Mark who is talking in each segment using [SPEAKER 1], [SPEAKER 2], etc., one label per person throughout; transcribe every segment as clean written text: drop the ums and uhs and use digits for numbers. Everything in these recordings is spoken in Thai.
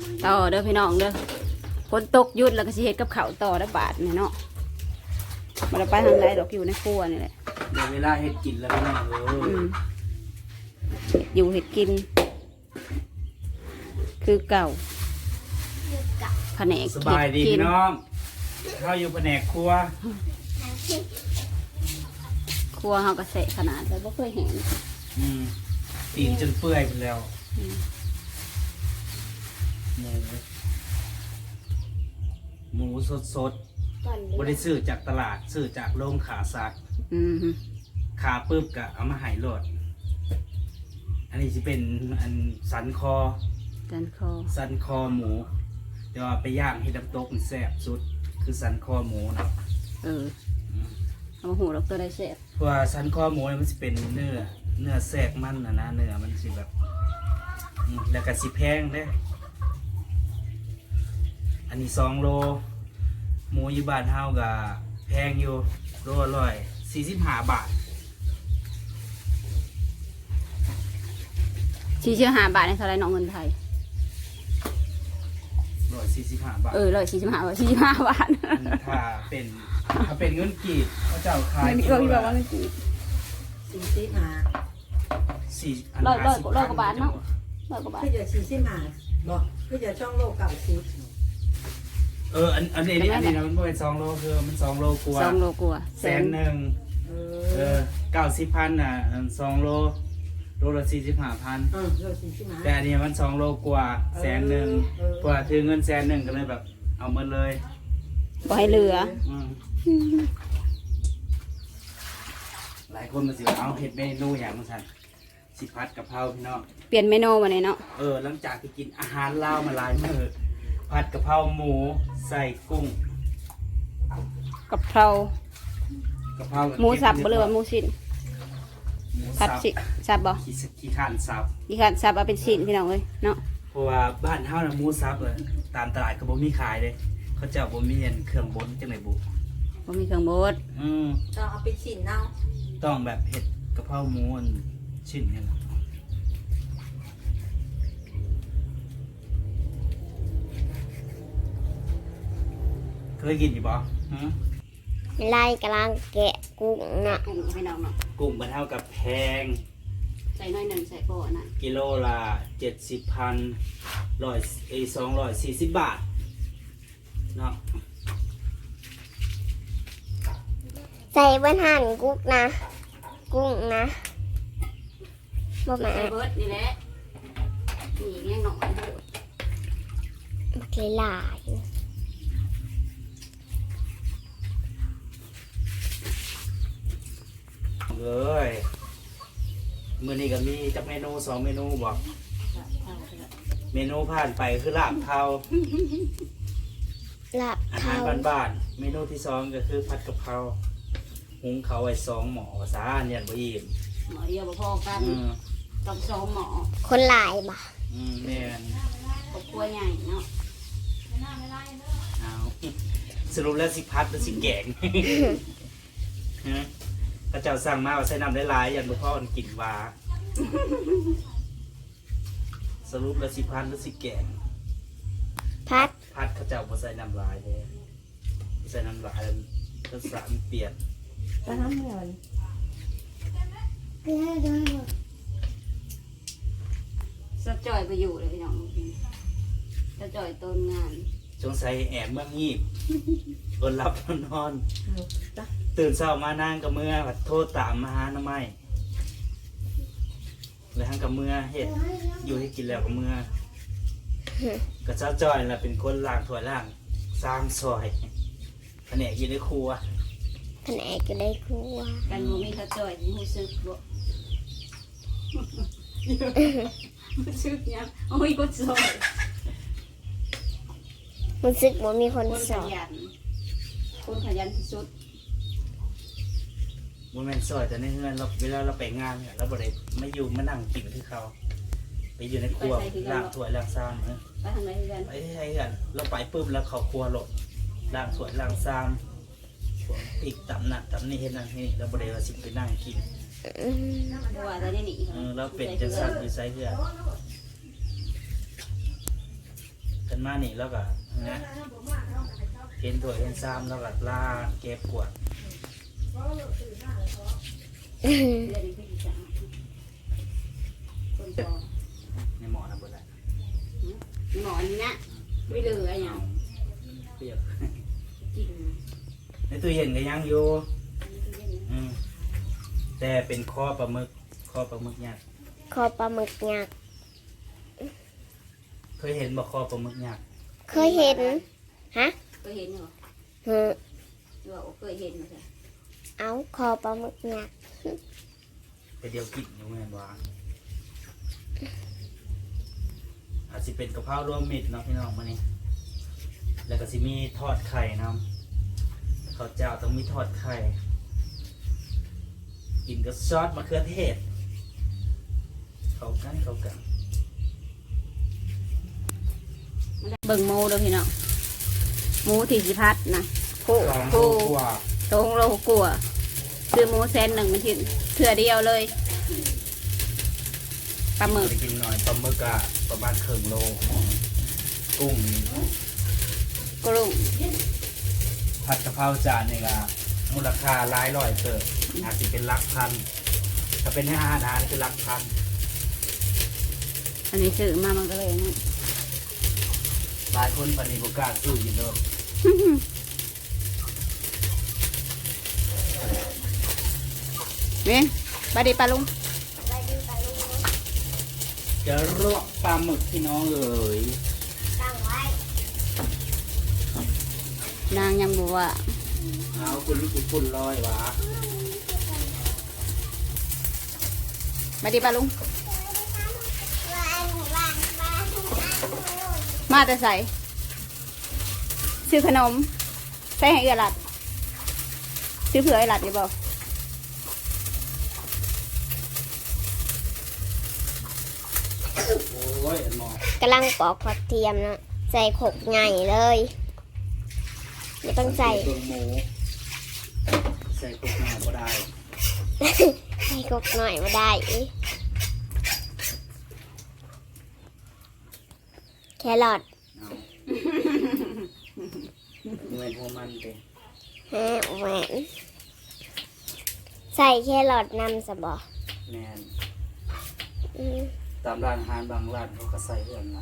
[SPEAKER 1] ต่อเด้อพี่น้องเด้อฝนตกหยุดแล้วก็สิเฮ็ดกับข้าวต่อได้บาทนี่เนาะบ่ได้ไปทางใดดอกอยู่ในครัวนี่แหละ
[SPEAKER 2] เดี๋ยวเวลาเฮ็ดกินแล้วพี่น้อง
[SPEAKER 1] อยู่เฮ็ดกิน คือเก่าแผนก
[SPEAKER 2] สบายดีพี่น้องเข้าอยู่แผนกครัว
[SPEAKER 1] ครัวเฮาก็เสะขนาดแต่บ่เคยเห็น
[SPEAKER 2] ตีนจนเปื่อยไปแล้วหมูสดบริซื้อจากตลาดซื้อจากโรงขาสัตว์ขาปึ๊บกะเอามาให้โหลดอันนี้จะเป็นอันสันคอหมูแต่ว่าไปย่างให้น้ำตกมันแซ่บสุดคือสันคอหมูนะ
[SPEAKER 1] เอามาหูเราตัวได้แซ่บ
[SPEAKER 2] เพราะว่าสันคอหมูมันจะเป็นเนื้อแทรกมันนะเนื้อมันสิแบบแล้วก็สิแพงเด้อันนี้2 โลหมูอยู่บ้านเฮาก็แพงอยู่โล145 บาท
[SPEAKER 1] 45 บาทในเท่าไรน้องเงินไทย
[SPEAKER 2] 145 บาท
[SPEAKER 1] 145 บาท45 บาท
[SPEAKER 2] ถ้าเป็นเงินกีบเขาเจ้าขาย
[SPEAKER 1] กิโลละว่าเงินกีบ
[SPEAKER 2] 45
[SPEAKER 1] ร้อยกว่าบาทเนาะ100 กว่าบาท
[SPEAKER 3] คือจะ45บอกคือจะช่องโล90
[SPEAKER 2] อันนี้นะมันเป็น2 โลคือมัน2 โลกว่า
[SPEAKER 1] 2 โลกว่า
[SPEAKER 2] 100,000 90,000น่ะ2 โลละ45,000
[SPEAKER 3] โล45
[SPEAKER 2] แต่อันนี้มัน2 โลกว่า100,000กว่าถือเงิน100,000ก็เลยแบบเอาหมดเลย
[SPEAKER 1] บ่ให้เหลือ
[SPEAKER 2] หลายคนมาสิเอาเฮ็ดเมนูอย่างมันสั่นสิผัดกะเพราพี่น้อง
[SPEAKER 1] เปลี่ยนเมนูมาเลยเนาะ
[SPEAKER 2] หลังจากที่กินอาหารลาวมาหลายมื้อผัดกะเพราหมูใส่กุ้ง
[SPEAKER 1] กะเพราหมูสับบ่เลยว่าหมูชิ้นผัดสิสับบ่
[SPEAKER 2] ขี้ข้านสับ
[SPEAKER 1] เอาเป็นชิ้นพี่น้องเอ้ยเนาะ
[SPEAKER 2] เพราะว่าบ้านเฮาน่ะหมูสับเลยตามตลาดก็บ่มีขายเลยเขาเจ้าบ่มีเครื่องบดจังได๋บ่
[SPEAKER 1] มีเครื่องบด
[SPEAKER 3] ต้องเอาไปชิ้นเนาะ
[SPEAKER 2] ต้องแบบเห็ดกะเพราหมูชิ้นนี่นะเคยกินอยู่บ่
[SPEAKER 4] ไล่กำลังแกะกุ้งนะ
[SPEAKER 1] กุ้งพี่น้องเนาะ
[SPEAKER 2] กุ้งมันเท่ากับแพง
[SPEAKER 1] ใส่น้อยหนึ่งใส่โปะนะ
[SPEAKER 2] กิโลละ240 บาทเนาะ
[SPEAKER 4] ใส่บนหั่นกุ้งนะบ่แม่
[SPEAKER 1] ใส่เบิร์ดนี่แหละนี่แง่หน่อย
[SPEAKER 4] โอเคหลาย
[SPEAKER 2] เลยมื้อนี้ก็มีจักเมนู2 เมนูบอกเมนูผ่านไปคือลาบเทาอาหารบ้านๆเมนูที่2ก็คือผัดกะเพราหุงเขาไว้2 หม้อซะเนี่ยบ่อิ่ม
[SPEAKER 1] หม้อเดียวบ่พอกันต้อง2 หม้อ
[SPEAKER 4] คนหลายบ่
[SPEAKER 2] แม่น
[SPEAKER 1] ครอบครัวใหญ่เนาะ
[SPEAKER 2] เอาสรุปแล้วสิพัดหรือสิแกงพระเจ้าสั่งมาว่าใส่น้ำได้หลายอย่างหลวงพ่อมันกินวาสรุปแล้วสิพัดหรือสิแกง
[SPEAKER 4] พัด
[SPEAKER 2] พระเจ้าบ่ใส่น้ำลายเลยใส่น้ำลายแล้วรสชาติมันเปลี่ยน
[SPEAKER 3] ก็ทำเลย
[SPEAKER 1] สะจ่อยไปอยู่เลยพี่น้องสะจ่อยต้นงาน
[SPEAKER 2] สงสัยแอบเมื่องีบอดหลับนอนตื่นเช้ามานางกับเมื่อโทษตามมาหาหน้าไม้เลยทั้งกับเมื่อเห็ดอยู่ให้กินแล้วกับเมื่อกับเจ้าจอยแหละเป็นคนล้างถ้วยล้างสร้างซอยแผนกอยู่ในครัว
[SPEAKER 1] กันมูมีสะจ่อยรู้สึกบ่รู้สึกยังโอ้ยก็ซอย
[SPEAKER 4] รู้สึกว่ามีคนสอน
[SPEAKER 1] คนขยันที่สุด
[SPEAKER 2] โมเมนต์ซอยแต่ในเฮือนเราเวลาเราไปงานเนี่ยเราบ่ได้ไม่อยู่มานั่งกินที่เขาไปอยู่ในครัวล้างถ้วยล้างซ้ำ
[SPEAKER 1] ไปทางไหนกัน
[SPEAKER 2] ไปให้กันเราไปปุ๊บแล้วเขาครัวหลดล้างถ้วยล้างซ้ำอีกตำหนักตำนี่เห็นนั่นนี่เราบ่ได้ว่าสิไปนั่งกิน
[SPEAKER 1] ว่าแต่นี่
[SPEAKER 2] เราเป็นจังซั่นอยู่ไสเฮือนนมานี่แล้วก็นะเห็นถ้วยเห็นซ้ำแล้วก็ล่าเก็บกวาดในหมอนะเบิดละ
[SPEAKER 1] หมอนี่นะไม่เหลืออย่าง
[SPEAKER 2] เปรี้ยว
[SPEAKER 1] จริง
[SPEAKER 2] ในตู้เย็นก็ยังอยู่แต่เป็นข้อปลาหมึกยักษ์
[SPEAKER 4] คอปลาหมึกยักษ์
[SPEAKER 2] เคยเห็นบ่ข้อปลาหมึกยักษ์
[SPEAKER 4] เคยเห็นฮะ
[SPEAKER 1] เคยเห็นเหรอ
[SPEAKER 4] ฮึ
[SPEAKER 1] หรือว่าเคยเห็นไหมจ๊ะ
[SPEAKER 4] เอาคอปลาหมึกยักษ์
[SPEAKER 2] แต่เดียวกินอยู่แม่นว่าอาจจะเป็นกะเพรารวมมิตรเนาะพี่น้องมานี่แล้วก็สิมีทอดไข่น้ำข้าวเจ้าต้องมีทอดไข่กินกับซอสมะเขือเทศเข้ากัน
[SPEAKER 1] เบิ่งหมูเด้อพี่น้องหมูที่สิพัดนะโค
[SPEAKER 2] สอง
[SPEAKER 1] โค
[SPEAKER 2] โลกว่า
[SPEAKER 1] ตรงโลกลัวซื้อหมูแสนหนึ่งมาทิ้งเถื่อเดียวเลยปลาหมึก
[SPEAKER 2] ไปกินหน่อยปลาหมึกอะประมาณครึ่งโลกุ้ง
[SPEAKER 1] กรุง
[SPEAKER 2] ผัดกะเพราจานนี่ก็มูลค่าหลายร้อยเติบอาจจะเป็นหลักพันถ้าเป็นอาหารคือหลักพัน
[SPEAKER 1] อันนี้ซื้อมามันก็เลยนี่
[SPEAKER 2] หลายคนปฏิบัติการสู้อยู่เด้อ
[SPEAKER 1] เว้นบาดีปลาลุง
[SPEAKER 2] จะลวกปลาหมึกพี่น้องเอ๋ย
[SPEAKER 4] ตั้งไว้
[SPEAKER 1] นางยังบอกว่า
[SPEAKER 2] เอาคุณลูกคุณลอยวะ
[SPEAKER 1] บาดีปลาลุงมาแต่ใส่ซื้อขนมใส่ให้เอือหลัดซื้อเผื่อไอ้หลัดดีบอก
[SPEAKER 2] โอ้ยอันหมอก
[SPEAKER 4] ำลังปอกผักเทียมนะใส่ขกใหญ่เลยไม่ต้องใส่
[SPEAKER 2] เครื่องหมูใส่กุกหน้าก็ได้
[SPEAKER 4] ใส่ขกหน่อยมาได้แครอท
[SPEAKER 2] เอาเงินพวกมันเต็ม
[SPEAKER 4] ฮะแหวนใส่แครอทนำสบอ
[SPEAKER 2] แน่น
[SPEAKER 4] อืม
[SPEAKER 2] ตามร้านอาหารบางร้านเขาก็ใส่เอื่อนนะ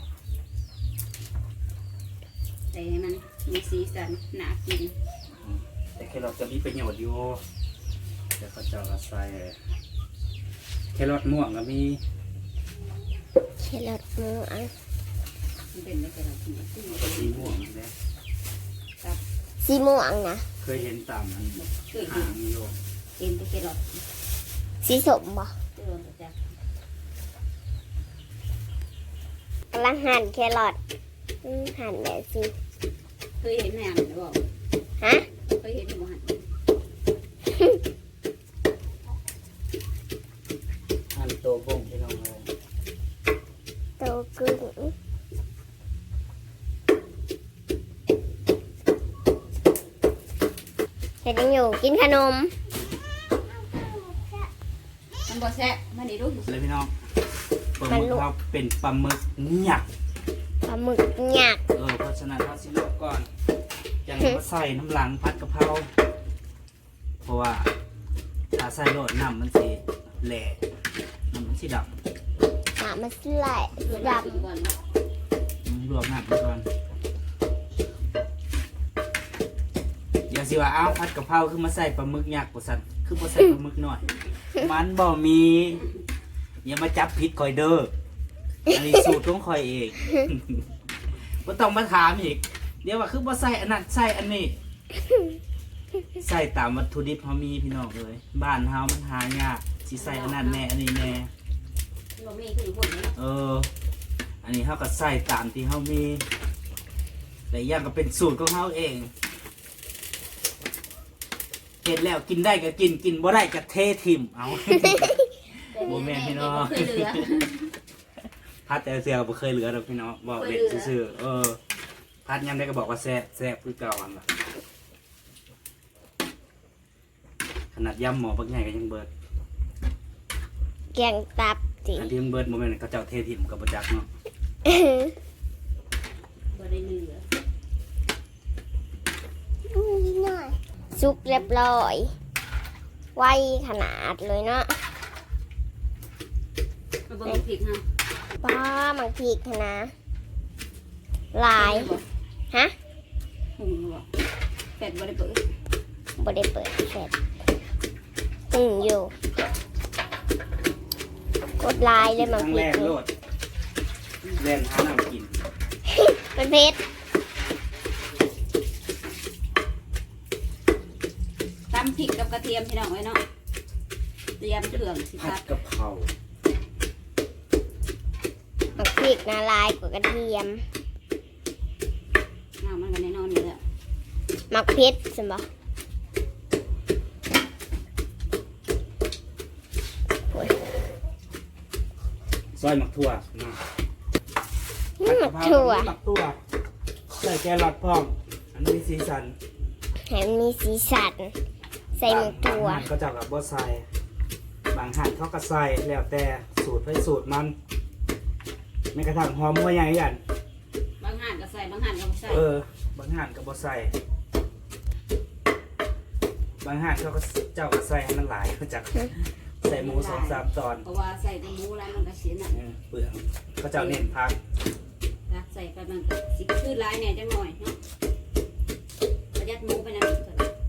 [SPEAKER 1] ใส่ให้มันมีสีสันน่ากิน
[SPEAKER 2] แต่แครอทจะมีประโยชน์อยู่แต่เขาเจะก็ใส่แครอทม่วงก็มี
[SPEAKER 4] แครอทม่วง
[SPEAKER 1] มันเป็นได้แค่เรากิน
[SPEAKER 2] สีม่วงนี่แหละ
[SPEAKER 4] สีม่วงนะ
[SPEAKER 2] เคยเห็นตามอัน
[SPEAKER 1] เคย
[SPEAKER 2] หางอยู่
[SPEAKER 1] กินไปแค่หลอด
[SPEAKER 4] สีสมบ่
[SPEAKER 1] เตือนจาก
[SPEAKER 4] กำลังหั่นแครอทหั่นแบบสิ
[SPEAKER 1] เคยเห็นแม่หรือเปล่า
[SPEAKER 4] ฮะ
[SPEAKER 1] เคยเห็นหมูหัน
[SPEAKER 2] หั่นโตบ้งพี่น้องเลย
[SPEAKER 4] โตกึ่งเห็นยังอยู่กินขนม
[SPEAKER 1] มันบ่แซ่บมันดีรู้
[SPEAKER 2] เลยพี่น้องปลาหมึกเราเป็นปลาหมึกหยัก
[SPEAKER 4] ปลาหมึกหยัก
[SPEAKER 2] เพราะฉะนั้นเราสิลวกก่อนยังมาใส่น้ำหลังผัดกะเพราเพราะว่าถ้าใส่โรดน้ำมันสิแหล่น้ำมันสิด
[SPEAKER 4] หามาสไลด์สีด
[SPEAKER 1] ก่อน
[SPEAKER 2] ำลวกน้ำไปก่อนอย่าสิว่าอ้าวผัดกะเพราคือมาใส่ปลาหมึกหยักกว่าสันคือมาใส่ปลาหมึกหน่อย มันบ่มีอย่ามาจับผิดคอยเด้ออันนี้สูตรของคอยเอง บ่ต้องมาถามอีกเดี๋ยวว่าคือบ่ใส่อันนั้นใส่อันนี้ ใส่ตามวัตถุดิบเฮามีพี่น้องเลยบ้านเฮามันหายากสิใส่อันนั้นแน่อันนี้แน่
[SPEAKER 1] เราไม่คือคนนี้
[SPEAKER 2] อันนี้เฮาก็ใส่ตามที่เฮามีแต่อย่างก็เป็นสูตรของเฮาเองเห็นแล้วกินได้ก็กินกินบ่ได้ก็เททิ่มเอา โมแม่นพี่น้อง
[SPEAKER 1] เคยเหลือ
[SPEAKER 2] พัดแต่เสียวบ่เคยเหลือดอกพี่น้องบอกเด็กซื่อๆพัดยามได้ก็บอกว่าแซ่บแซ่บคือเก่าอันละขนาดยำหมอบักใหญ่ก็ยังเบิด
[SPEAKER 4] ำแกงตับสิ
[SPEAKER 2] อันที่มันเบิดโมเมนต์เขาเจ้าเททิมกับประจักษ์เนาะ
[SPEAKER 1] บ่ได้เหลือ
[SPEAKER 4] นิดหน่อยซุกเรียบร้อยไวขนาดเลยเนาะ
[SPEAKER 1] มาเบิ่งพริกฮะ
[SPEAKER 4] ป้ามังพีกนะลายฮะ
[SPEAKER 1] หุงบ่เป็ดบ่ได้เปิด
[SPEAKER 4] บ่ได้เปิดเสร็จอยู่กดลายเลยมัง
[SPEAKER 2] ทั้ง
[SPEAKER 4] พี
[SPEAKER 2] แร
[SPEAKER 4] ก
[SPEAKER 2] กโลดแล่นหาน้ำกิน
[SPEAKER 4] เป็นเพชร
[SPEAKER 1] ตำพริกกับกระเทียมพี่น้องไว้เนาะเตรียมเครื่องสิค
[SPEAKER 2] ผั
[SPEAKER 1] รั
[SPEAKER 2] ด
[SPEAKER 1] บ
[SPEAKER 2] กะเพรา
[SPEAKER 4] มังพีกนะลายกว่ากระเทียม
[SPEAKER 1] น้ำมันก็แน่นอนอยู่แล้ว
[SPEAKER 4] มักเพชรใช่ปะ
[SPEAKER 2] ซอยหมักถั่วนะ
[SPEAKER 4] มักถั่ว
[SPEAKER 2] หมักถั่วใส่แครอทพร้อมอันนี้สีสัน
[SPEAKER 4] แถมมีสีสันใส่มักถั่ว
[SPEAKER 2] บางหั่นก็จะแบบบ่ใส่บางหั่นเขาก็ใส่แล้วแต่สูตรไปสูตรมันไม่กระทั่งหอมหัวใหญ่ยัน
[SPEAKER 1] บางหั่นก็ใส่บางหั่นก็บ่ใส่
[SPEAKER 2] บางหั่นก็บ่ใส่บางหั่นเขาก็เจ้าก็ใส่ให้มันหลายเขาจะใส่หมู2-3 ตอน
[SPEAKER 1] เพราะว่าใส่แต่หมูแล้วมันก็เสียหนัก
[SPEAKER 2] เปลืองเขาเจ้าเน้นพัก
[SPEAKER 1] นะใส่ไปมันก็สิคือหลายแหน่จังหน่อยเนาะประหยัดหมูไปนำ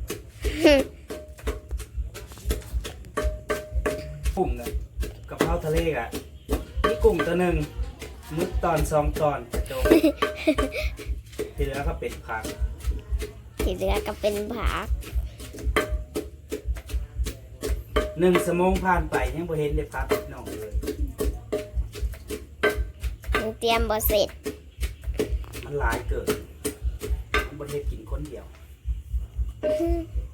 [SPEAKER 2] กุ้งกับกะเพราทะเลกะนี่กุ้งตัวหนึ่งมึกตอน2 ตอนจบที่เหลือก็เป็นผัก
[SPEAKER 4] ที่เหลือก็เป็นผัก
[SPEAKER 2] 1 ชั่วโมงผ่านไปยังบ่เห็นได้พักน้องเลย
[SPEAKER 4] ยังเตรียมบ่เสร็จ
[SPEAKER 2] มันหลายเกินมันบ่เฮ็ดกินคนเดียว
[SPEAKER 4] อืม